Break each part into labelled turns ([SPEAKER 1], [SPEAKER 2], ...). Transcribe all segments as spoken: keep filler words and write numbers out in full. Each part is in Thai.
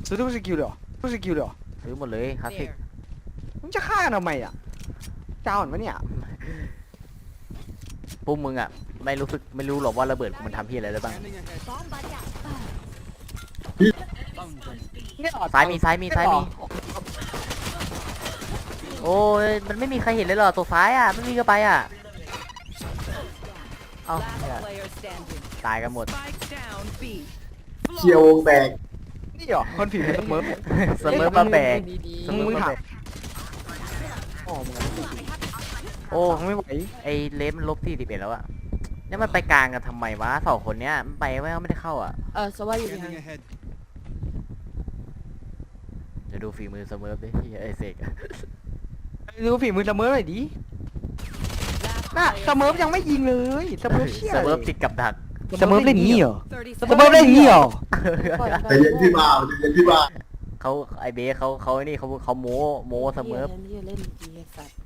[SPEAKER 1] ซื้อทุกสกิลเลยเหรอทุกสกิลเลยเหรอ
[SPEAKER 2] ซื้อหมดเลยคลาสสิก
[SPEAKER 1] มึงจะฆ่ากันทำไมอ่ะเจ้าอ่อนปะเนี่ย
[SPEAKER 2] พวกมึงอ่ะไม่รู้สึกไม่รู้หรอกว่าระเบิดกูมันทำพี่อะไรได้บ้าง
[SPEAKER 1] เนี่ยเหรอ
[SPEAKER 2] ซ้ายมีซ้ายมีซ้ายมีโอ้ยมันไม่มีใครเห็นเลยเหรอตัวซ้ายอ่ะไม่มีก็ไปอ่ะเอ้าเนี่ยตายกันหมด
[SPEAKER 3] เชียววงแตก
[SPEAKER 1] นี่เหรอคนผีมันเสมอ
[SPEAKER 2] เสมอมาแบก
[SPEAKER 1] มึงมึงถามอ๋อมึง
[SPEAKER 2] โอ้
[SPEAKER 1] ฟังไม่ไหว
[SPEAKER 2] ไอเลฟมันลบที่สิบเอ็ดแล้วอ่ะเนี่ยมันไปกลางกันทำไมวะสองคนเนี้ยมันไปไม่ไม่ได้เข้าอ่ะ
[SPEAKER 4] เออสวัสดีค่ะ
[SPEAKER 2] เดี๋ยวดูฝีมือเสมอดิไอเสกอะ
[SPEAKER 1] ดูฝีมือเสมอหน่อยดิน่ะเสมอยังไม่ยิงเลยเสมอเชี่ย
[SPEAKER 2] เสมอติดกับดัก
[SPEAKER 1] เสมอเล่นงี้เหรอเสมอเล่นงี้เหรอ
[SPEAKER 3] ใจเย็นพี่บ่าวใจเย็นพี่บ่าว
[SPEAKER 2] เขาไอเบสเขาเขาไอ้นี่เขาเขาโม้โม้เสมอ
[SPEAKER 4] เล่นเล่นดีสัตว์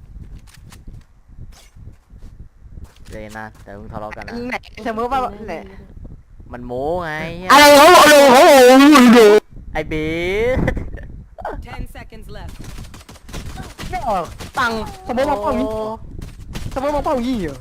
[SPEAKER 2] เลยนะแต่มึงทะเลาะกันนะ
[SPEAKER 1] ไหนเสมอว่าไหน
[SPEAKER 2] มันโม้ไง
[SPEAKER 1] อะไรเขาโอ้โหโอ้โห
[SPEAKER 2] ไอเบส
[SPEAKER 5] Ten seconds left.
[SPEAKER 1] เนี่ยตังเสมอมาเป้างี้เสมอมาเป้างี้เหรอ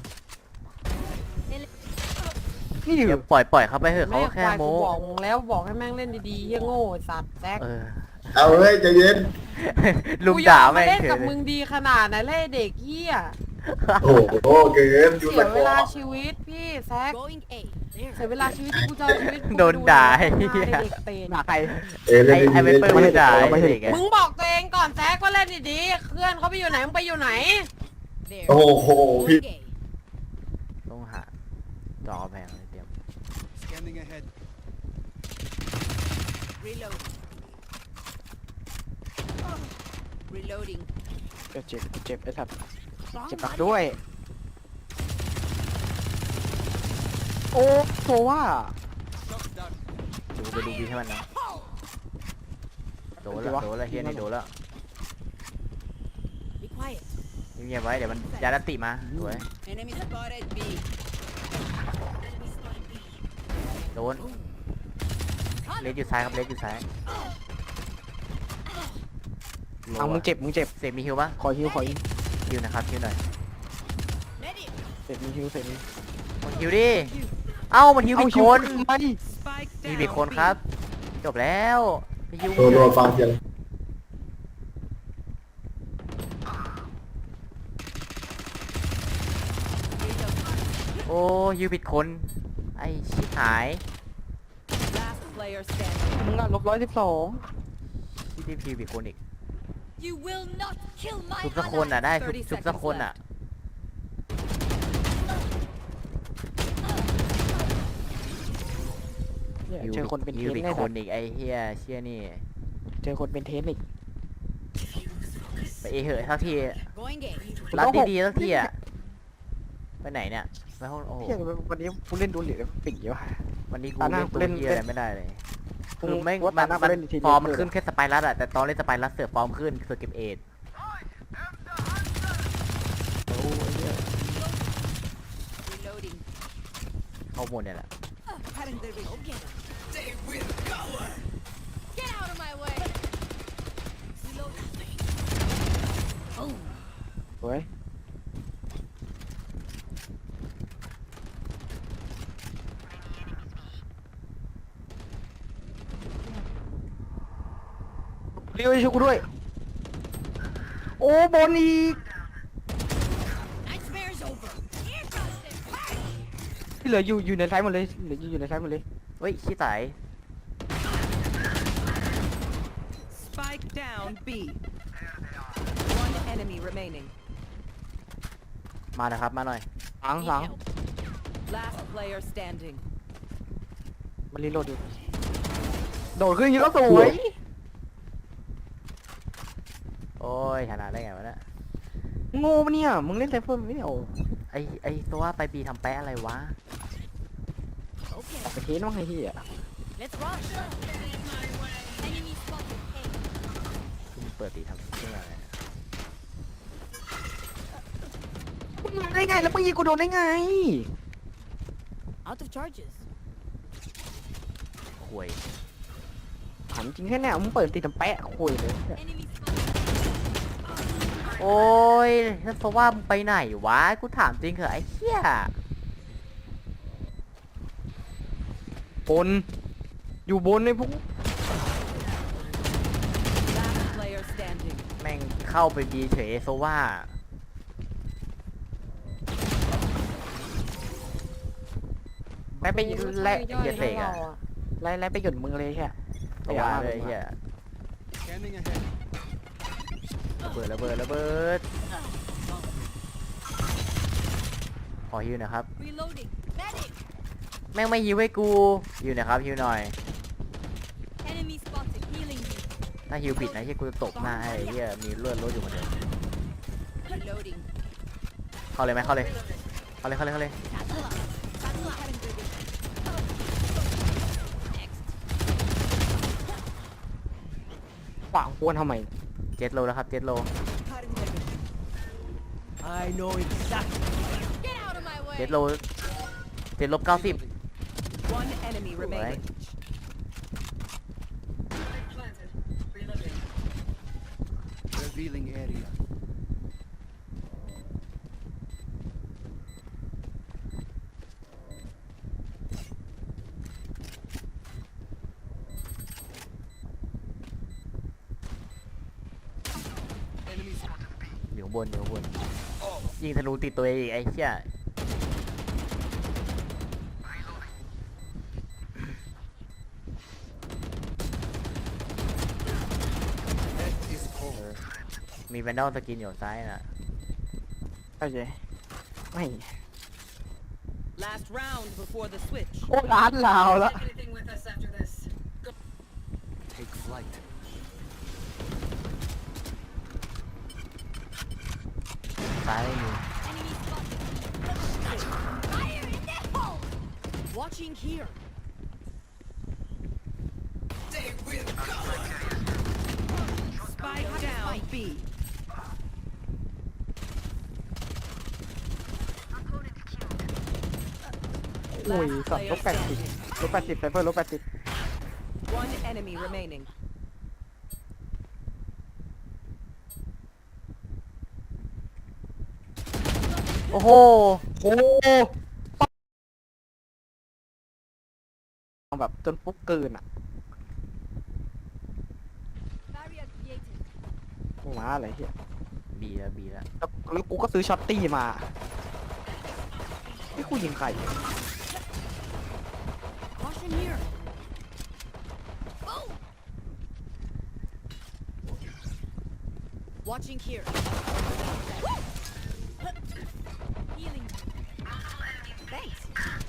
[SPEAKER 1] นี่ดิ
[SPEAKER 2] เดี๋ยวปล่อยปล่อยเขาไปเถอะเขาแค่โม้
[SPEAKER 4] บอกมึงแล้วบอกให้แม่งเล่นดีๆเฮียโง่สัตว์แซก
[SPEAKER 2] เออ
[SPEAKER 3] เอาเฮ้ยใจเย็น
[SPEAKER 2] ลุงด่า
[SPEAKER 4] ไม่
[SPEAKER 2] แม่ง
[SPEAKER 4] เล่น
[SPEAKER 2] เฉ
[SPEAKER 4] กับ
[SPEAKER 2] ย
[SPEAKER 4] มึงดีขนาดไหนเล่นเด็กเฮีย
[SPEAKER 3] โอ้โหเกินอยู่
[SPEAKER 4] เสี
[SPEAKER 3] ตะ
[SPEAKER 4] ย
[SPEAKER 3] ก
[SPEAKER 4] เว
[SPEAKER 3] อ
[SPEAKER 4] ลาชีวิตพี่แซก
[SPEAKER 5] Going A.
[SPEAKER 4] เสียเวลาชีวิตกูจะชีวิต
[SPEAKER 2] โดนด่าไอ้
[SPEAKER 4] เด็
[SPEAKER 2] เหี้ย
[SPEAKER 4] กเตน
[SPEAKER 1] หนาใคร
[SPEAKER 3] เอ้ย
[SPEAKER 2] ไอ
[SPEAKER 3] เล่น
[SPEAKER 2] ไอเวเปอร์มันด่าไอเด็กอะ
[SPEAKER 4] มึงบอกตัวเองก่อนแซกว่าเล่นดีๆเพื่อนเขาไปอยู่ไหนมึงไปอยู่ไหน
[SPEAKER 5] There.
[SPEAKER 3] โอ้โหพี่
[SPEAKER 5] Going A.
[SPEAKER 2] ต้องหาจอแพงเลยเตรียม
[SPEAKER 6] Scanning ahead.
[SPEAKER 5] Reload. Reloading.
[SPEAKER 1] เจ็บเจ็บเจ็บไอ้สัตว์เจ็บหนักด้วย โอ้โซว่า
[SPEAKER 6] Shot down.
[SPEAKER 2] เดี๋ยวกูไปดูบีให้มันนะโดนแล้วโดนแล้วเฮียนี่โดนแล้ว
[SPEAKER 5] Be quiet.
[SPEAKER 2] เงียบๆไว้เดี๋ยวมันยาดัตติมาสวย
[SPEAKER 5] Enemy spotted B.
[SPEAKER 2] โดนเลสอยู่ซ้ายครับเลสอยู่ซ้าย
[SPEAKER 1] เอามึงเจ็บมึงเจ็บ
[SPEAKER 2] เสกมีฮิวปะ
[SPEAKER 1] ขอฮิวขอฮิว
[SPEAKER 2] ฮิวนะครับฮิวหน่อย
[SPEAKER 5] Ready.
[SPEAKER 1] เสร็จมีฮิวเสร็จมี
[SPEAKER 2] มันฮิวดิเอ้ามันฮิวผิดคน
[SPEAKER 1] มาดิ
[SPEAKER 5] Spike
[SPEAKER 2] มี
[SPEAKER 5] down.
[SPEAKER 2] ผิดคนครับ จบแล้วไปฮิว
[SPEAKER 3] โดนโดนฟังเสียง
[SPEAKER 2] โอ้ฮิวผิดคนไอชิบหาย
[SPEAKER 5] Last player standing.
[SPEAKER 1] มึงอ่ะลบร้อยสิบสอง
[SPEAKER 2] ที่ที่ฮิวผิดคนอีก
[SPEAKER 5] You will not kill my
[SPEAKER 2] ชุบสักคนอ่ะได้ชุบ
[SPEAKER 5] thirty
[SPEAKER 2] ชุบสัก
[SPEAKER 5] seconds
[SPEAKER 2] คนอ่ะ
[SPEAKER 5] left.
[SPEAKER 1] เนี่ย
[SPEAKER 2] ฮิว
[SPEAKER 1] เจอคนเป็นเท
[SPEAKER 2] ฮิว
[SPEAKER 1] ส
[SPEAKER 2] ผิด
[SPEAKER 1] แน่
[SPEAKER 2] คน นอีกไอเฮียเชี่ยนี่
[SPEAKER 1] เจอคนเป็นเทสอีก
[SPEAKER 2] ไปเอเหอะทักที
[SPEAKER 5] Going A.
[SPEAKER 2] รัดดีๆทักทีอ่ะไปไหนเนี่ยไปห้องโอ้โห
[SPEAKER 1] เที่ยวันนี้กูเล่นดูเหลือปิ่งเยอะ
[SPEAKER 2] วันนี้กู
[SPEAKER 1] ตาหน้า
[SPEAKER 2] เล่นตัว
[SPEAKER 1] เล่น
[SPEAKER 2] เฮียอะไรไม่ได้เลย
[SPEAKER 1] กู
[SPEAKER 2] คือไม่
[SPEAKER 1] ว่า
[SPEAKER 2] มั
[SPEAKER 1] ตาน หน้ากู
[SPEAKER 2] มัน
[SPEAKER 1] เล่นทีเดียว
[SPEAKER 2] ฟอร์มมัน
[SPEAKER 1] เลย
[SPEAKER 2] ขึ้นแค่สไปรัสอะแต่ตอนเล่นสไปรัสเสือฟอร์มขึ้นคือเก็บเอท
[SPEAKER 1] โอ้ยเนี่ย
[SPEAKER 5] Reloading.
[SPEAKER 2] เข้าหมดเนี่ยแหละ
[SPEAKER 5] Cutting the ring. Okay. Get out of my way. Reloading. Oh.
[SPEAKER 1] สวยเรียวช่วยกูด้วย โอ้บอลอีก
[SPEAKER 5] Nightmare's over. Here comes the party.
[SPEAKER 1] ที่เหลืออยู่อยู่ในซ้ายหมดเลยเหลืออยู่ในซ้ายหมดเลย
[SPEAKER 2] เฮ้ยขี้ไต
[SPEAKER 5] Spike down B. One enemy remaining.
[SPEAKER 2] มานะครับมาหน่อย
[SPEAKER 1] หลังหลัง
[SPEAKER 5] Last player standing.
[SPEAKER 1] มันรีโหลดอยู่โดดขึ้นอยังนี้ก็สวย
[SPEAKER 2] โอ้ยชนะได้ไงวะเนี่ย
[SPEAKER 1] โง่ปะเนี่ยมึงเล่นไซเฟอร์ไม่ได้เอา
[SPEAKER 2] ไอไอตัวไปบีทำแปะอะไรวะ
[SPEAKER 5] Okay.
[SPEAKER 1] ออกไปเทสบ้างไอ้ที่อ่ะ
[SPEAKER 5] Let's rush. Enemy spotted A.
[SPEAKER 2] คือมึงเปิดตีทำเพื่ออะไร
[SPEAKER 1] มึงมาได้ไงแล้วมึงยิงกูโดนได้ไง
[SPEAKER 5] Out of charges.
[SPEAKER 2] ห่วย
[SPEAKER 1] หามจริงแค่เนี่ยมึงเปิดติดน้ำแปะคุยเลย
[SPEAKER 5] Enemy spotted.
[SPEAKER 2] โอ้ยแล้วเพราะว่ามึงไปไหนวะ กูถามจริงเหรอไอ้เหี้ย
[SPEAKER 1] บน อยู่บนในพวก
[SPEAKER 5] Last player standing.
[SPEAKER 2] แม่งเข้าไปดีเฉยโซว่าแม่งไปไล่ไอ้เหี้ยเสกอะ
[SPEAKER 1] ไล่ไล่ไปหยุดมึงเลยแค่
[SPEAKER 2] โซว่าเลยไอ้เหี้ย
[SPEAKER 6] Scanning ahead.
[SPEAKER 2] ระเบิดระเบิดระเบิดขอฮิวหน่อยครับ
[SPEAKER 5] Reloading. Medic.
[SPEAKER 2] แม่งไม่ฮิวให้กูฮิวหน่อยครับฮิวหน่อย
[SPEAKER 5] Enemy spotted. Healing you.
[SPEAKER 2] ถ้าฮิวผิดนะเฮียกูจะตบหน้าให้ไอ้เฮียมีเลือดลดอยู่เหมือนเดิม
[SPEAKER 5] Reloading.
[SPEAKER 2] เข้าเลยไหมเข้าเลยเข้าเลยเข้าเลยเข้าเลย
[SPEAKER 5] Satchel up. Satchel up. Next.
[SPEAKER 1] ขวางกวนทำไม
[SPEAKER 2] เจ็ดโลแล้วครับเจ็ดโล
[SPEAKER 6] I know exactly.
[SPEAKER 5] Get out of my way.
[SPEAKER 2] เจ็ดโลเจ็ดลบเก้าสิบ
[SPEAKER 5] One enemy remaining.
[SPEAKER 6] Revealing area. Enemy spotted.
[SPEAKER 2] อยู่ข้างบนอยู่ข้างบนยิงธนูติดตัวเองอีกไอ้เหี้ย
[SPEAKER 6] That is cold.
[SPEAKER 2] มีแวนดอลสกินอยู่ซ้ายน่ะ
[SPEAKER 1] เข้าใจไม่
[SPEAKER 5] Last round before the switch.
[SPEAKER 1] โอ้ร้านลาวแล้ว
[SPEAKER 4] anything with us after this.
[SPEAKER 6] Take flight.
[SPEAKER 2] ซ้ายไม่มี
[SPEAKER 5] Enemy spotted. Fire in the hole. Watching here. Spike down B.
[SPEAKER 1] โอ้ยสับลบแปดสิบลบแปดสิบไซเฟอร์ลบแปดสิบ
[SPEAKER 5] One enemy remaining.
[SPEAKER 2] โอ้โห
[SPEAKER 1] โอ้แบบจนฟุกเกินอ่ะ
[SPEAKER 5] Barrier created.
[SPEAKER 1] มาอะไรเฮีย
[SPEAKER 2] บีแล้วบีแล้ว
[SPEAKER 1] แล้วแล้วกูก็ซื้อช็อตตี้มานี่กูยิงใคร
[SPEAKER 5] Caution here. Oh. Watching here. Healing. Thanks.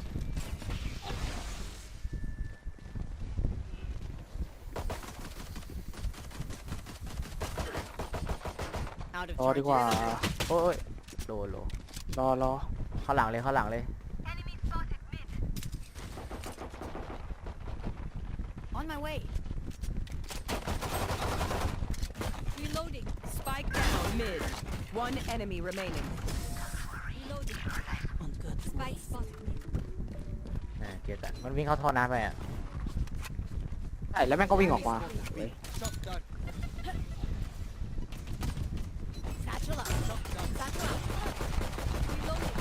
[SPEAKER 5] Out of
[SPEAKER 1] รอดีกว่า
[SPEAKER 2] โอ้ยโลโล
[SPEAKER 1] รอรอ
[SPEAKER 2] เข้าหลังเลยเข้าหลังเลย
[SPEAKER 5] On my way. Reloading. Spike down mid. One enemy remaining. Reloading. On good. Spike spotted mid.
[SPEAKER 2] อ่าเก็ตอะมันวิ่งเข้าท่อน้ำไปอ่ะ
[SPEAKER 1] ใช่แล้วแม่งก็วิ่งออกมาเฮ้ย
[SPEAKER 6] Shot down.
[SPEAKER 5] Satchel up. Satchel up. Reloading.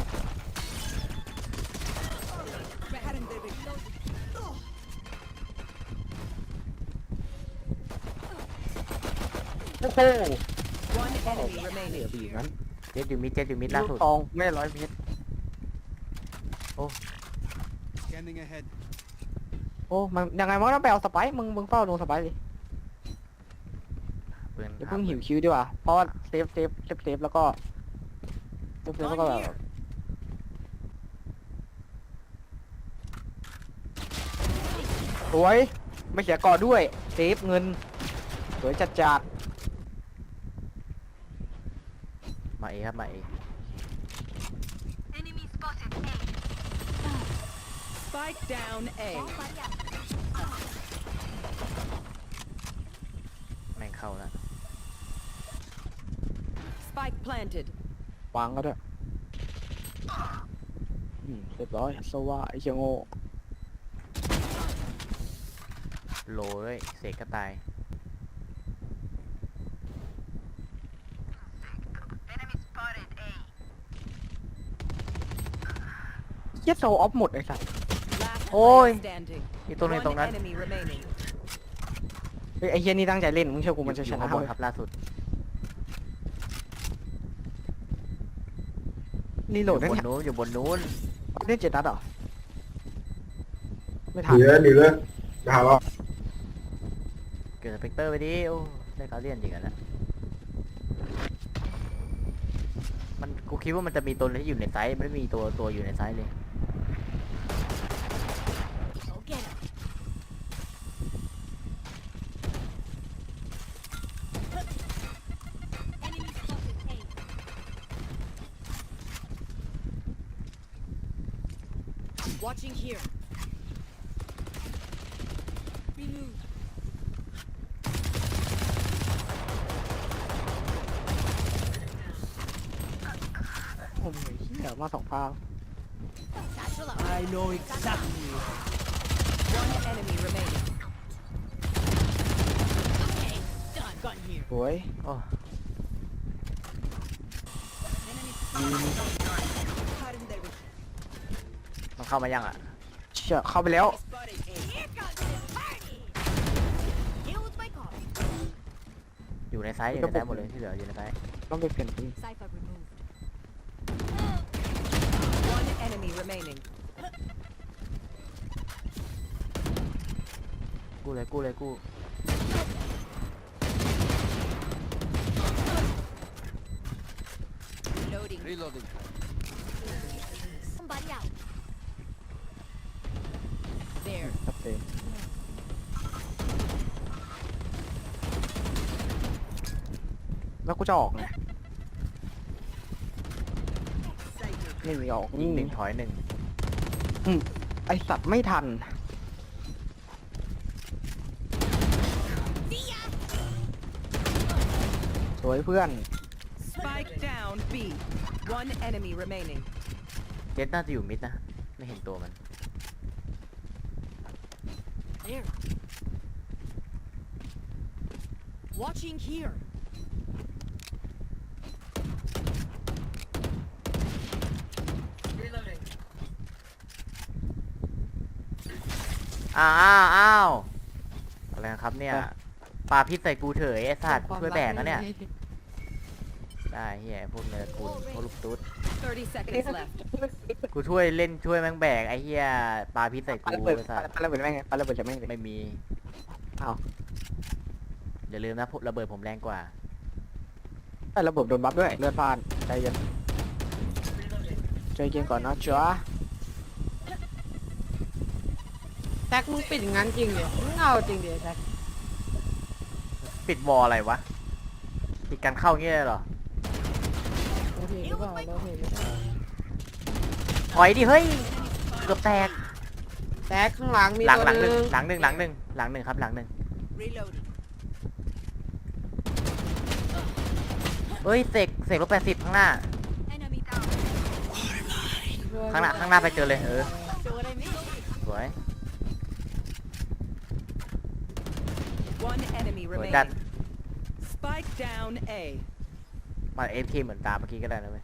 [SPEAKER 5] Reloading. Reloading.
[SPEAKER 1] โอ้โห
[SPEAKER 5] One enemy
[SPEAKER 1] เดี๋
[SPEAKER 5] remaining.
[SPEAKER 1] ยวไปอย่างนั้น
[SPEAKER 2] เจ็ดอยู่มิดเจ็ดอยู่มิดล่า
[SPEAKER 1] ลู
[SPEAKER 2] สุ
[SPEAKER 1] ก
[SPEAKER 2] ด
[SPEAKER 1] ทองไม่ร้อยเมตร
[SPEAKER 6] Scanning ahead.
[SPEAKER 1] โอ้มันยังไงมันก็ต้องไปเอาสไปร์มึงมึงเฝ้าลงสไปร์ดิ
[SPEAKER 2] ปืน
[SPEAKER 1] อย่าเพิ่งหิวคิวดีกว่าเพราะว่าเซฟเซฟเซฟเซฟแล้วก็เซฟเซฟแล้วก็แบบสวยไม่เสียก่อด้วยเซฟเงินสวยจัดจัด
[SPEAKER 2] มาเอครับมาเอ
[SPEAKER 5] Spike down A.
[SPEAKER 2] แม่งเข้าแล้ว
[SPEAKER 5] Spike planted.
[SPEAKER 1] วางก็ด้วยอืมเรียบร้อยโซว่าไอ้เชียงโง่
[SPEAKER 2] โลด้วยเสกก็ตาย
[SPEAKER 1] เหี้ยโซออฟหมดไอ้สัส
[SPEAKER 5] Last
[SPEAKER 2] Ôi.
[SPEAKER 5] player standing.
[SPEAKER 2] อีตัวหนึงตรง
[SPEAKER 5] One
[SPEAKER 2] นั้น
[SPEAKER 5] enemy remaining.
[SPEAKER 1] เฮ้ยไอ้เหี้ยนี่ตั้งใจเล่นมึงเชื่อกูมันจะ
[SPEAKER 2] อ
[SPEAKER 1] ช
[SPEAKER 2] ยู่
[SPEAKER 1] นะ
[SPEAKER 2] ข้างบน
[SPEAKER 1] เว้ย
[SPEAKER 2] ครับล่าสุด
[SPEAKER 1] รีโหลด
[SPEAKER 2] อ
[SPEAKER 1] นั่น
[SPEAKER 2] ยู่บน
[SPEAKER 1] เนี่ย
[SPEAKER 2] นู้นอยู่บนนู้น
[SPEAKER 1] เล่นเจ็ดนัดเหรอไม่
[SPEAKER 3] ห
[SPEAKER 1] ทัน
[SPEAKER 3] นีเลยหนีเลยมาหาเรา
[SPEAKER 2] เกิดสเปกเตอร์ไปดิโอ้ได้การเลียนจริงกันแล้วมันกูคิดว่ามันจะมีตัวที่อยู่ในไซส์ไม่ได้มีตัวตัวอยู่ในไซส์เลย
[SPEAKER 5] Go get him. Enemy spotted A. Watching here. Remove.
[SPEAKER 1] โอ้ยเหี้ยมาสองพาว
[SPEAKER 5] Satchel out.
[SPEAKER 6] I know exactly.
[SPEAKER 5] One enemy remaining. Okay, done. Gun here.
[SPEAKER 1] โอ้ย
[SPEAKER 2] โอ้
[SPEAKER 5] Enemy cutting their vision.
[SPEAKER 2] มันเข้ามายังอ่ะ
[SPEAKER 1] เชี่ยเข้าไปแล้ว
[SPEAKER 5] Spotted A. Here comes the party. Here's my car.
[SPEAKER 2] อยู่ในไซส์อยู่ในไซส์หมดเลยที่เหลืออยู่ในไซส์
[SPEAKER 1] ต้องไปเปลี่ยนปืน
[SPEAKER 5] Cypher removed. One enemy remaining.
[SPEAKER 2] กู้เลยกู้เลยกู้
[SPEAKER 5] Loading.
[SPEAKER 6] Reloading.
[SPEAKER 5] Somebody out. There.
[SPEAKER 1] ครับเจนแล้วกูจะออกไงไม่มีออก
[SPEAKER 2] ยิ
[SPEAKER 1] นี่
[SPEAKER 2] งหนึ่งถอยหนึ่ง
[SPEAKER 1] ไอสัตว์ไม่ทัน สวยเพื่อน
[SPEAKER 5] Spike down B. One enemy remaining.
[SPEAKER 2] เจ็ดน่าจะอยู่มิดนะไม่เห็นตัวมัน
[SPEAKER 5] There. Watching here.
[SPEAKER 2] อ้าวอ้าวอ้าวอะไรนะครับเนี่ย
[SPEAKER 1] อ่ะ
[SPEAKER 2] ปลาพิษใส่กูเถอะไอ้สัตว์ช่วยแบกนะเนี่ยได้เฮียพวกเนื้อกูพวกลูกตุ๊ด
[SPEAKER 5] Thirty seconds left.
[SPEAKER 2] กูช่วยเล่นช่วยแม่งแบกไอ้เฮียปลาพิษใส่
[SPEAKER 1] ปา
[SPEAKER 2] กู
[SPEAKER 1] ระเบิด
[SPEAKER 2] ไอ้สัตว์
[SPEAKER 1] ปาระเบิดแม่งไงปาระเบิดจะแม่งเลย
[SPEAKER 2] ไม่มี
[SPEAKER 1] เอา
[SPEAKER 2] อย่าลืมนะพวกระเบิดผมแรงกว่า
[SPEAKER 1] ไอ้ระเบิดโดนบัฟด้วยเลือดพล่านใจเย็นใจเย็นก่อนนะจ๊ะ
[SPEAKER 4] แท็กมึงปิดอย่างนั้นจริงดิมึงเอาจริงดิแท็ก
[SPEAKER 2] ปิดวอลอะไรวะปิดการเข้าเงี้ยเหรอ
[SPEAKER 4] โอเคหรือเปล่าโอเคหรือเปล่า
[SPEAKER 2] ถอยดิเฮ้ยเกือบแตก
[SPEAKER 4] แท็กข้างหลังมี
[SPEAKER 2] หลัง
[SPEAKER 4] ตัว
[SPEAKER 2] หลังห
[SPEAKER 4] ห
[SPEAKER 2] นึ่
[SPEAKER 4] นึ่
[SPEAKER 2] ง
[SPEAKER 4] ง
[SPEAKER 2] หลังหนึ่งหลังหนึ่งหลังหนึ่งครับหลังหนึ่ง
[SPEAKER 5] Reloading.
[SPEAKER 2] เฮ้ยเสกเสกลบแปดสิบข้างหน้า
[SPEAKER 5] Enemy down.
[SPEAKER 2] ข้างหน้าข้างหน้าไปเจอเลยเออ
[SPEAKER 5] See what I mean?
[SPEAKER 2] สวย
[SPEAKER 5] One enemy
[SPEAKER 2] สวยจัด
[SPEAKER 5] remaining. Spike down A.
[SPEAKER 2] มาเอฟเคเหมือนตามเมื่อกี้ก็ได้นะเว้ย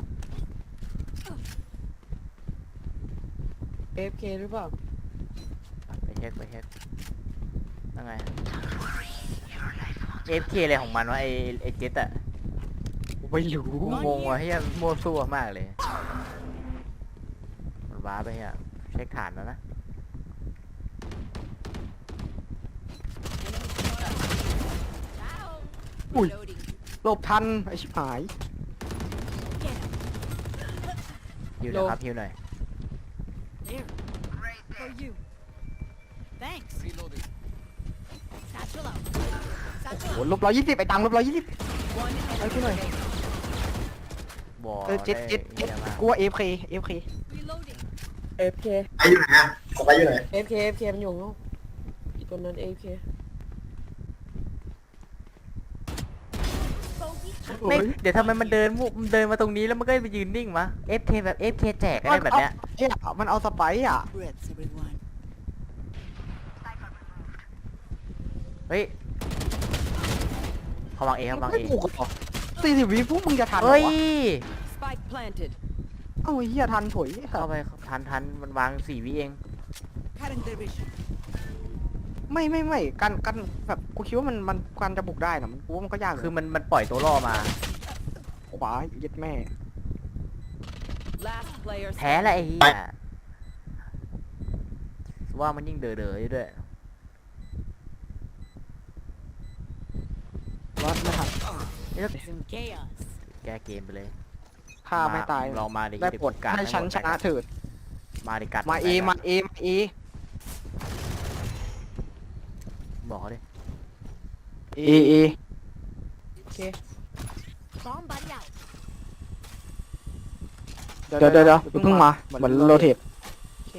[SPEAKER 4] เอฟเคหรือเปล่า
[SPEAKER 2] ไปเช็คไปเช็คยังไงเอฟเคอะไรของมันวะไอไอเจ็ตอะ
[SPEAKER 1] ไม่รู้
[SPEAKER 2] กูงงว่ะเฮียมั่วซั่วมากเลยมันว้าไปเฮียเช็คฐานแล้วนะ
[SPEAKER 1] อุ้ย
[SPEAKER 5] Reloading.
[SPEAKER 1] หลบทันไอชิบหาย
[SPEAKER 2] ฮิวหน่อยครับฮิวหน่อย
[SPEAKER 5] There. For you. Thanks.
[SPEAKER 6] Reloading.
[SPEAKER 5] Satchel out.
[SPEAKER 1] โห
[SPEAKER 5] Satchel
[SPEAKER 1] ลบร้อยยี่สิบไอตังลบร้อยยี่สิบ
[SPEAKER 5] out. One enemy
[SPEAKER 1] Ay, Pinoy.
[SPEAKER 5] remaining.
[SPEAKER 2] บอล
[SPEAKER 1] เออเจ็ด
[SPEAKER 2] ได้
[SPEAKER 1] เจ็ดเจ็ด
[SPEAKER 2] เฮียมาก
[SPEAKER 1] กูว่าเอฟเคเอฟเค
[SPEAKER 5] Reloading.
[SPEAKER 4] เอฟเค
[SPEAKER 3] ไปอยู่ไหนอะไปอยู่ไหน
[SPEAKER 4] เอฟเคเอฟเคมันอยู่ข้างนอกอีกตัวนั้นเอฟเค
[SPEAKER 5] Bogey.
[SPEAKER 2] ไม่เดี๋ยวทำไมมันเดินมุมันเดินมาตรงนี้แล้วมันก็ไปยืนนิ่งวะ เอฟเค แบบ เอฟเค แจกอะไรแบบเนี้ย
[SPEAKER 1] เฮ้ยมันเอาสไปร์อ่ะ
[SPEAKER 5] Breaths, everyone.
[SPEAKER 2] เฮ้ยเขาวางเอเขาวาง
[SPEAKER 1] ไม่
[SPEAKER 2] เอ
[SPEAKER 1] ถูกหรอสี่สิบวิพวกมึงจะทันเหร
[SPEAKER 2] เฮ้
[SPEAKER 1] อย วะ
[SPEAKER 5] Spike planted.
[SPEAKER 1] เอ้าไอ้เหี้ยทันถอย
[SPEAKER 2] เข้าไปทันทันมันวางสี่วิเอง
[SPEAKER 5] Current division.
[SPEAKER 1] ไม่ไม่ไม่การการแบบกูคิดว่ามันมันการจะบุกได้นะมันกูว่ามันก็ยาก
[SPEAKER 2] คือมันมันปล่อยตัวล่อมา
[SPEAKER 1] ขวาเย็ดแม่
[SPEAKER 5] Last player
[SPEAKER 2] แพ้แล้วไอ้เหี้ยว่ามันยิ่งเด๋อๆอยู่ด้วย
[SPEAKER 1] วัดไม่ทัน
[SPEAKER 5] Some chaos.
[SPEAKER 2] แก้เกมไปเลย
[SPEAKER 1] ฆ่าไม่ตาย
[SPEAKER 2] ลองมาดิ
[SPEAKER 1] ได้ผล
[SPEAKER 2] กัด
[SPEAKER 1] ให้ฉันชนะเถิด
[SPEAKER 2] มาดิกัด
[SPEAKER 1] มาเอมาเอมาเอ
[SPEAKER 2] บอกเขาดิ
[SPEAKER 1] เอเอ
[SPEAKER 4] โอเค
[SPEAKER 5] Bomb buddy out.
[SPEAKER 1] เดี๋ยวเดี๋ยวเดี๋ยวเพิ่งมาเหมือนโรเทต
[SPEAKER 4] โอเค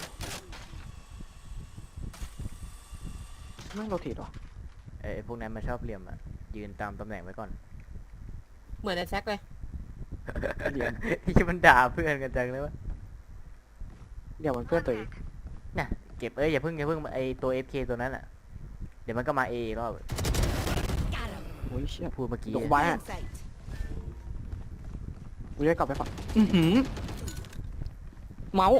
[SPEAKER 1] ไม่โรเทตหรอ
[SPEAKER 2] เอ้ยพวกนั้นมันชอบเหลี่ยมอ่ะยืนตามตำแหน่งไว้ก่อน
[SPEAKER 4] เหมือนไอ้แซกเลย
[SPEAKER 1] เหลี่ยม
[SPEAKER 2] ที่มันด่าเพื่อนกันจังเลยวะ
[SPEAKER 1] เดี๋ยวมันเพื่อนตัวเอง
[SPEAKER 2] เนี่ยเก็บเอ้ยอย่าเพิ่งอย่าเพิ่งไอตัว เอฟ เค ตัวนั้นอ่ะเดี๋ยวมันก็มาเอก็
[SPEAKER 5] Got him.
[SPEAKER 1] โอ้ยเชี่ย
[SPEAKER 2] พูดเมื่อกี้
[SPEAKER 1] ลงไว้
[SPEAKER 5] In sight.
[SPEAKER 1] กูจะกลับไปฝั่งอือหือเมาส์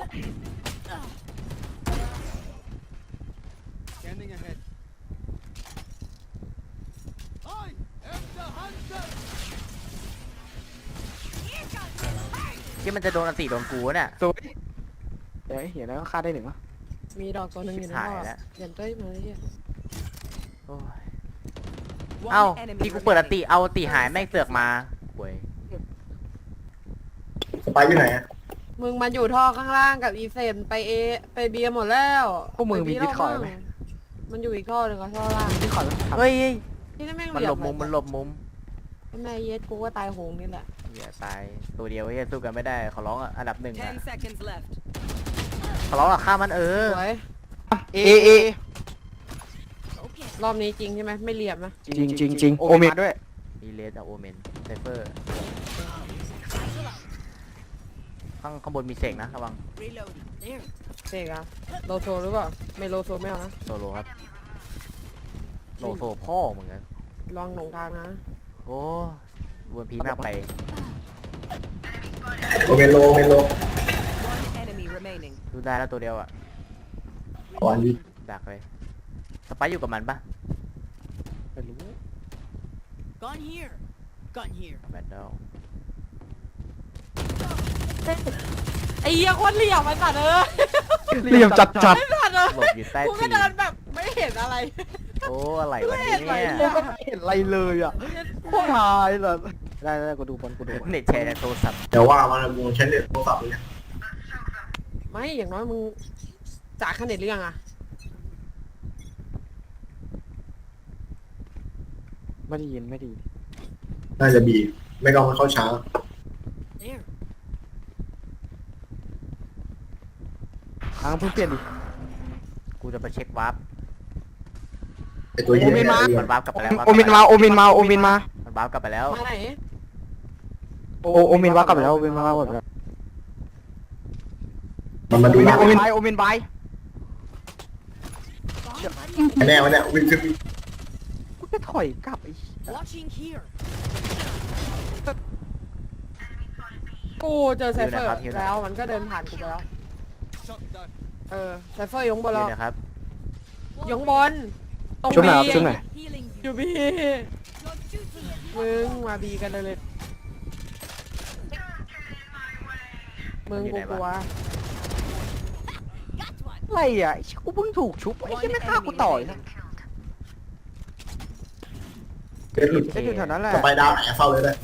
[SPEAKER 6] Scanning ahead. I am the hunter.
[SPEAKER 2] ที่มันจะโดนอันตีโดนกูเนี่ย
[SPEAKER 1] สวยเดี๋ยวเห็นแล้วก็ฆ่าได้หนึ่งวะ
[SPEAKER 4] มีดอกตัวหนึงอยู่ใน
[SPEAKER 2] ชิบหาย
[SPEAKER 4] ท่อ
[SPEAKER 2] แล้ว
[SPEAKER 4] เดี๋ยวเต้ยมาเลยเฮีย
[SPEAKER 2] โอ้ย
[SPEAKER 5] One
[SPEAKER 2] เอ้า
[SPEAKER 5] enemy
[SPEAKER 2] ที่กูเปิดอัน
[SPEAKER 5] remaining.
[SPEAKER 2] ตีเอาอันตีหายแม่งเสือกมาโว้ย
[SPEAKER 3] สไปอยู่ไหนอะ
[SPEAKER 4] มึงมันอยู่ท่อข้างล่างกับอีเซนไปเอไปเบียร์หมดแล้ว
[SPEAKER 1] พวกมึงมี
[SPEAKER 4] ไป
[SPEAKER 1] ดิ
[SPEAKER 4] บี
[SPEAKER 1] สคอร์ดไหม
[SPEAKER 4] มันอยู่อีกท่อหนึ่งก็ท่อล่าง
[SPEAKER 1] ที่ขอแล้ว
[SPEAKER 2] เฮ้ย
[SPEAKER 4] ที่นั่นแม่ง
[SPEAKER 2] มัน
[SPEAKER 4] เหลี่
[SPEAKER 2] ห
[SPEAKER 4] ย
[SPEAKER 2] ลบมุมมันหลบมุม
[SPEAKER 4] แม่เย็ดกูก็ตายโหงนี่แหละ
[SPEAKER 2] อย่าตายตัวเดียวเฮ้ยสู้กันไม่ได้ขอร้องอ่ะอันดับหนึ่งอ่ะ
[SPEAKER 5] Ten seconds left.
[SPEAKER 2] ขอร้องอ่ะฆ่ามันเออ
[SPEAKER 4] สวย
[SPEAKER 1] เอเอ
[SPEAKER 5] Okay.
[SPEAKER 4] รอบนี้จริงใช่ไหมไม่เหลี่ยมนะ
[SPEAKER 1] จริงจริงจริงโอเมนด้วย
[SPEAKER 2] ดีเลสอะโอเมนไซเฟอร์ข้างข้างบนมีเสกนะระวัง
[SPEAKER 5] Reloading. There.
[SPEAKER 4] เสกอะโลโซหรือเปล่าไม่โลโซไม่เอานะ
[SPEAKER 2] โซโลครับโลโซพ่อเหมือนกัน
[SPEAKER 4] ลองหลงทางนะ
[SPEAKER 2] โอ้วนพีมากไป
[SPEAKER 3] โอเมนโลโอเมนโล
[SPEAKER 5] One enemy remaining.
[SPEAKER 2] ดูได้แล้วตัวเดียวอ่ะ
[SPEAKER 3] ขออันนี้
[SPEAKER 2] ดักเลยสไปซ์อยู่กับมันปะ
[SPEAKER 1] ไม่รู้
[SPEAKER 5] Gun here. Gun here.
[SPEAKER 2] แบนเดล
[SPEAKER 4] ไอ้เหี้ยโคตรเหลี่ยมไอ้สัตว์เออ
[SPEAKER 1] เหลี่ยมจัดจัด
[SPEAKER 4] ไอ้สัตว์เออ
[SPEAKER 2] หลบอยู่ใต้
[SPEAKER 4] กู
[SPEAKER 2] ตี
[SPEAKER 4] ก็
[SPEAKER 2] น
[SPEAKER 4] เดินแบบไม่เห็นอะไร
[SPEAKER 2] โอ้อะไรวะ
[SPEAKER 4] ไม่เห็นอะไร
[SPEAKER 2] เนี่ย
[SPEAKER 4] เลย
[SPEAKER 1] ไม่เห็นอะไรเลยอ่ะพวกนายแบบได้ได้กูดูบอลกูดูบอล
[SPEAKER 2] เน็ตแชร์ในโทรศัพท์
[SPEAKER 3] เดี๋ยวว่ามันมึงใช้เน็ตโทรศัพท์เลยเนี่ย
[SPEAKER 4] ไม่อย่างน้อยมึงจากขนาดหรือยังอะ
[SPEAKER 1] ไม่ได้ยินไม่ได้ยิน
[SPEAKER 3] น่าจะบีไม่ก็มันเข้าช้า
[SPEAKER 5] There.
[SPEAKER 1] ค้างเพิ่งเปลี่ยนดิ
[SPEAKER 2] กูจะไปเช็ควาร์ป
[SPEAKER 3] ไอตัวเหี้ย
[SPEAKER 1] โอเมนมา
[SPEAKER 3] เนี่ย
[SPEAKER 2] มันวาร์ปกลับไปแล้ว
[SPEAKER 1] โอเมนมาโอเมนมาโอเมนมา
[SPEAKER 2] มันวาร์ปกลับไปแล้ว
[SPEAKER 4] มาไหน
[SPEAKER 1] โอโอเมนว่ากลับไปแล้วโอเมนว่ากลับไปแล้ว
[SPEAKER 3] มันมา
[SPEAKER 1] โอ
[SPEAKER 3] ดู
[SPEAKER 1] เม
[SPEAKER 3] หน้าน
[SPEAKER 1] โอเมนบายโอเมนบาย
[SPEAKER 3] แน่วะเนี่ยวิ่งขึ้น
[SPEAKER 1] กูจะถอยกลับไอ้
[SPEAKER 5] Watching here.
[SPEAKER 4] กูเจอไซเฟอร์แล้วมันก็เดินผ่านกูไปแล้ว
[SPEAKER 6] Shot down.
[SPEAKER 4] เออไซเฟอร์ยงบน
[SPEAKER 2] ยื
[SPEAKER 4] แล้ว
[SPEAKER 2] นนะครับ
[SPEAKER 4] ยงบนตรง
[SPEAKER 1] ช่วงไหน
[SPEAKER 4] บี
[SPEAKER 1] ครับช่วงไหน
[SPEAKER 5] Healing
[SPEAKER 4] อ
[SPEAKER 5] you.
[SPEAKER 4] ยู่บี
[SPEAKER 5] Your duty is
[SPEAKER 4] มึงมาบีกันเลยเลยมึงกูกลัว
[SPEAKER 5] got one.
[SPEAKER 1] อะไรอ่ะไอ้กูเพิ่งถูกชุบไอ้ที่ไม่ฆ่ากูต่อยนะ
[SPEAKER 3] เกิดหลุด
[SPEAKER 1] ไอ้อยู่แถวนั้นแหละ
[SPEAKER 3] สไปดาวไหนเฝ้าเลยเลย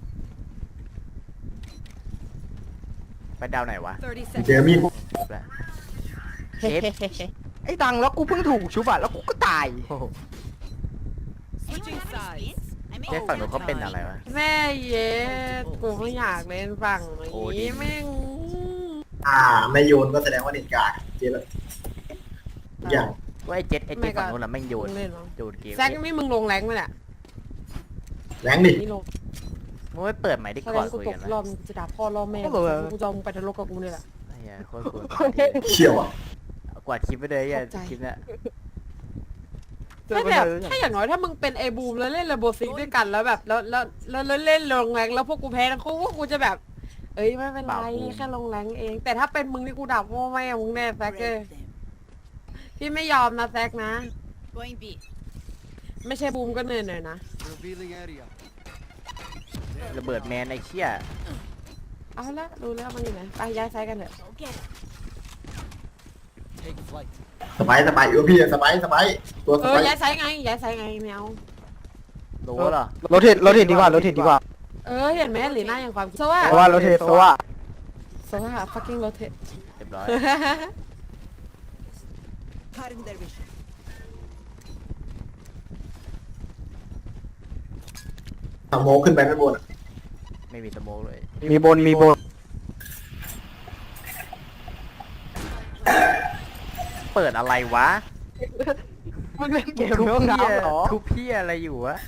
[SPEAKER 2] ไปดาวไหนวะ
[SPEAKER 5] Thirty
[SPEAKER 3] เจอ
[SPEAKER 5] seconds.
[SPEAKER 3] มีด
[SPEAKER 2] เชฟ
[SPEAKER 1] ไอ้ดังแล้วกูเพิ่งถูกชุบอ่ะแล้วกูก็ตาย
[SPEAKER 2] โอ้โห
[SPEAKER 5] Switching sides.
[SPEAKER 2] เชฟฝั่งนู้นเขาเป็นอะไรวะ
[SPEAKER 4] แม่เย็ดกูไม่อยากเล่นฝั่ง
[SPEAKER 2] โอ้ดิ
[SPEAKER 4] นี้แม่ง
[SPEAKER 3] อ่าไม่โยนก็แสดงว่าเน็ตกากเจ๊เลยอย่าง
[SPEAKER 2] ว่าไอ้เจ็ดไอ้เจ็ดฝั่งนู้นน่ะแม่งโยน
[SPEAKER 4] มึงเล่นมั้ง
[SPEAKER 2] โยนเกม
[SPEAKER 4] แซกนี่มึงลงแรงไหมเนี่ย
[SPEAKER 3] แรงดิ
[SPEAKER 4] นี่ลง
[SPEAKER 2] มึงไม่เปิดใหม่ดิ
[SPEAKER 4] แส
[SPEAKER 2] ก่
[SPEAKER 4] ด
[SPEAKER 2] อน
[SPEAKER 4] งกู
[SPEAKER 2] คุย
[SPEAKER 4] ต
[SPEAKER 2] กั
[SPEAKER 4] ก
[SPEAKER 2] นนะ
[SPEAKER 4] รอบมึงจะด่าพ่อรอบแม่กูจะเอามึงไปทะเลาะกับกูเนี่ยแหละ
[SPEAKER 2] ไอ้เหี้ยโคตรกวน
[SPEAKER 3] เชี่ยวอ่ะ
[SPEAKER 2] กวาดคลิปไปเลยไอ้
[SPEAKER 4] ขอบใจ
[SPEAKER 2] คลิปเนี้ย
[SPEAKER 1] เจอ
[SPEAKER 4] ถ้า
[SPEAKER 1] กัน
[SPEAKER 4] แบบ
[SPEAKER 1] เลย
[SPEAKER 4] ถ้าอย่างน้อยถ้ามึงเป็นไอบูมแล้วเล่นเรนโบว์ซิกด้วยกันแล้วแบบแล้วแล้วแล้วแล้วเล่นลงแรงแล้วพวกกูแพ้ทั้งคู่พวกกูจะแบบ เอ้ยไม่เป็นไรแค่ลงแรงเอง แต่ถ้าเป็นมึงนี่กูดับโม่ไม่มึงแน่แซกเอ้ย
[SPEAKER 5] Break them.
[SPEAKER 4] พี่ไม่ยอมนะแซกนะ
[SPEAKER 5] Going B.
[SPEAKER 4] ไม่ใช่บูมก็เหนื่อยหน่อยนะ
[SPEAKER 6] Revealing area.
[SPEAKER 2] ระเบิดแมนไอ้เชี่ย
[SPEAKER 4] เอาละรู้แล้วมันอยู่ไหนไปย้ายไซส์กันเถอะ
[SPEAKER 5] Go get it.
[SPEAKER 6] Take flight.
[SPEAKER 3] สบายสบายอยู่พี่สบายสบายตัวส
[SPEAKER 4] เออบ
[SPEAKER 3] าย
[SPEAKER 4] ย้ายไซส์ไงย้ายไซส์ไงไม่เอา
[SPEAKER 2] โลเหรอ
[SPEAKER 1] โรเทตโรเทตดีกว่าโรเทตดีกว่า
[SPEAKER 4] เออเห็นไหมหรือหน้าอย่างความคิดโซว่า
[SPEAKER 1] เพราะว่าโรเทตเพราะว่า
[SPEAKER 4] โซว่า fucking rotate
[SPEAKER 2] เรียบร้อย
[SPEAKER 5] Cutting their vision.
[SPEAKER 3] สโมกขึ้นไปไม่บนอะ
[SPEAKER 2] ไม่มีสโมกเลย
[SPEAKER 1] มีบนมีบน
[SPEAKER 2] เปิดอะไรวะ
[SPEAKER 1] มึงเล่นเกม
[SPEAKER 2] ทุบ
[SPEAKER 1] เรื่อง
[SPEAKER 2] เพี้ย
[SPEAKER 1] น้ำเหรอ
[SPEAKER 2] ทุบเพี้ยอะไรอยู่วะ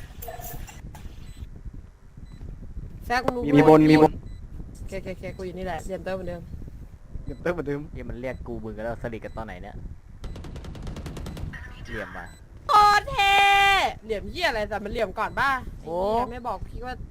[SPEAKER 4] แซกมึงรู้
[SPEAKER 1] มีบนมีบน
[SPEAKER 4] เคเคเคกูอยู่นี่แหละเรียนเตอร์เหมือนเดิม
[SPEAKER 1] เดี๋ยวเติมเหมือนเดิม
[SPEAKER 2] เฮียมันเรียกกูมึงกันแล้วสลิดกันตอนไหนเนี่ยเหลี่ยมมา
[SPEAKER 4] โคตรเท่เหลี่ยมเหี้ยอะไรแต่มันเหลี่ยมก่อนป่ะ
[SPEAKER 2] โอ้
[SPEAKER 4] ไอ้เหี้ยไม่บอกพี่ว่า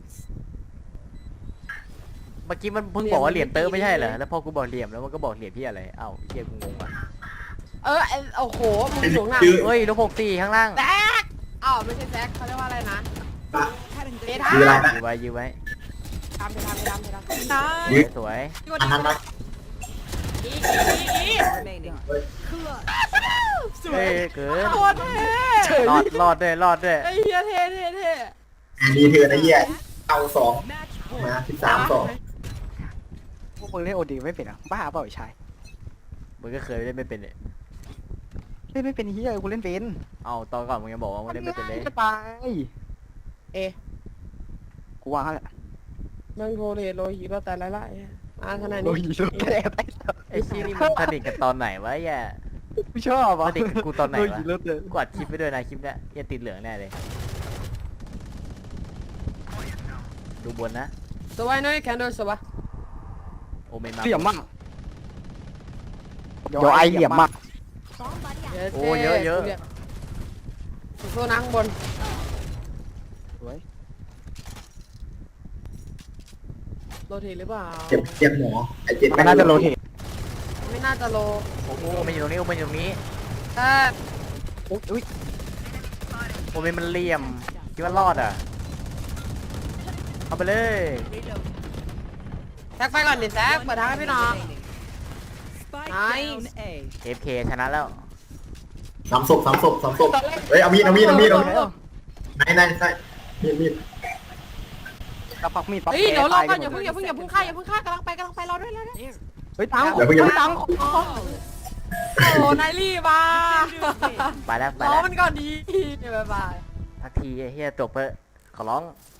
[SPEAKER 2] เมื่อกี้มันเพิ่งบอกว่าเหลี่ยมเตอร์ไม่ใช่เหรอแล้วพอกูบอกเหลี่ยมแล้วมันก็บอกเหลี่ยมพี่อะไรเอ้าเฮียกูงงว่ะ
[SPEAKER 4] เออไอ้โอ้โหมึงสูงหนัก
[SPEAKER 2] เฮ้ยลูกหกสี่ข้างล่าง
[SPEAKER 4] แซกอ้าวไม่ใช่แซกเขาเรียกว่าอะไรนะ
[SPEAKER 5] Cutting
[SPEAKER 4] เบ
[SPEAKER 5] their
[SPEAKER 4] ทา
[SPEAKER 3] คืออะไรนะ
[SPEAKER 2] ยื้อไว้ยื้อไว้
[SPEAKER 4] ทำไปทำไปทำไปทำได้
[SPEAKER 3] ยืด
[SPEAKER 2] สวย
[SPEAKER 4] พี่ว่า
[SPEAKER 3] อันนั้นนะ
[SPEAKER 4] อีกอีกอีก
[SPEAKER 5] remaining.
[SPEAKER 2] เฮ้ยเกิน
[SPEAKER 4] โคตรเท่
[SPEAKER 2] รอดรอดด้วยรอดด้วย
[SPEAKER 4] ไอ้เหี้ยเท่เท่เท่
[SPEAKER 3] อันนี้เธอนะเหี้ยเอาสอง
[SPEAKER 5] Match
[SPEAKER 3] มา
[SPEAKER 5] point.
[SPEAKER 3] สิบสามสอง
[SPEAKER 1] พวกมึงเล่นโอดีไม่เป็นอ่ะบ้าเปล่าไอ้ชาย
[SPEAKER 2] มึงก็เคยเล่นไม่เป็นเนี่ย
[SPEAKER 1] เล่นไม่เป็นเฮียกูเล่นเป็น
[SPEAKER 2] เอาตอนก่อนมึงยังบอกว่ามึงเล่นไม่เป็นเลย
[SPEAKER 1] จะตาย
[SPEAKER 4] เอะ
[SPEAKER 1] กูวางแล้วแหละ
[SPEAKER 4] มึงโทรเรทโลหิตเราแต่ละละมาขนาด
[SPEAKER 1] โด
[SPEAKER 4] นี้
[SPEAKER 1] นยิงแค่ไหน
[SPEAKER 2] ไอ้ชี้นี่มึงสนิทกันตอนไหนวะแย่
[SPEAKER 1] กูชอบอ่ะ
[SPEAKER 2] สนิทกับกูตอนไหนวะ
[SPEAKER 1] โดยิงรถเลย
[SPEAKER 2] กูอัดคลิปไปด้วยนะคลิปเนี้ยเหี้ยัติดเหลืองแน่เลย ดูบนนะ
[SPEAKER 4] สวัสดีน้อยแคนโดสวัสดี
[SPEAKER 2] โอเมนมา
[SPEAKER 1] เหลี่ยมมากเดี๋ยวไอเหลี่ยมมาก
[SPEAKER 2] โอ้เยอะเยอะ
[SPEAKER 4] โซนังบน
[SPEAKER 1] สวย
[SPEAKER 4] โรเทตหรือเปล่า
[SPEAKER 3] เจ็บเจ็บหมอไอ้เจ็บ
[SPEAKER 1] มันน่าจะโรเทต
[SPEAKER 4] ไม่น่าจะโล
[SPEAKER 2] โอ้โหโอเมนอยู่ตรงนี้โอเมนอยู่ตรงนี้
[SPEAKER 4] ถ้า
[SPEAKER 1] อุ๊ยอุ๊ย
[SPEAKER 2] โอเมนมันเหลี่ยมคิดว่ารอดอ่ะเอาไปเลย
[SPEAKER 5] Reload.
[SPEAKER 4] แซกไปก่อนดิแซกเปิดทางให้พี่น้อง
[SPEAKER 5] Spike
[SPEAKER 4] Nice.
[SPEAKER 5] down A.
[SPEAKER 2] เอฟเคชนะแล้ว
[SPEAKER 3] สามศพสามศพสามศพเฮ้ยเอามีดเอามีดเอามีดเอามีดไหนไหนไหนมีดมีด
[SPEAKER 1] กระปักมีดปั๊บ
[SPEAKER 4] เฮ้ยเดี๋ยวรอก่อน
[SPEAKER 1] แก
[SPEAKER 4] อย่า
[SPEAKER 1] ต
[SPEAKER 4] เพิ่งอย่าเพิ่งอย่าเพิ่งฆ่าอย่าเพิ่งฆ่ากำลังไปกำลังไปรอด้วยรอด้วย
[SPEAKER 1] เฮ้ยตังค์
[SPEAKER 3] เดี๋ยวเพิ่งอย่าเพิ่ง
[SPEAKER 1] ตังค์
[SPEAKER 4] โอ้นายรีบมา
[SPEAKER 2] ไปแล้วไป
[SPEAKER 4] รอ
[SPEAKER 2] แล้ว
[SPEAKER 4] มันก่อนดีเดี๋ยวบ๊ายบาย
[SPEAKER 2] ทักทีไอ้เฮียจบเปอะขอร้อง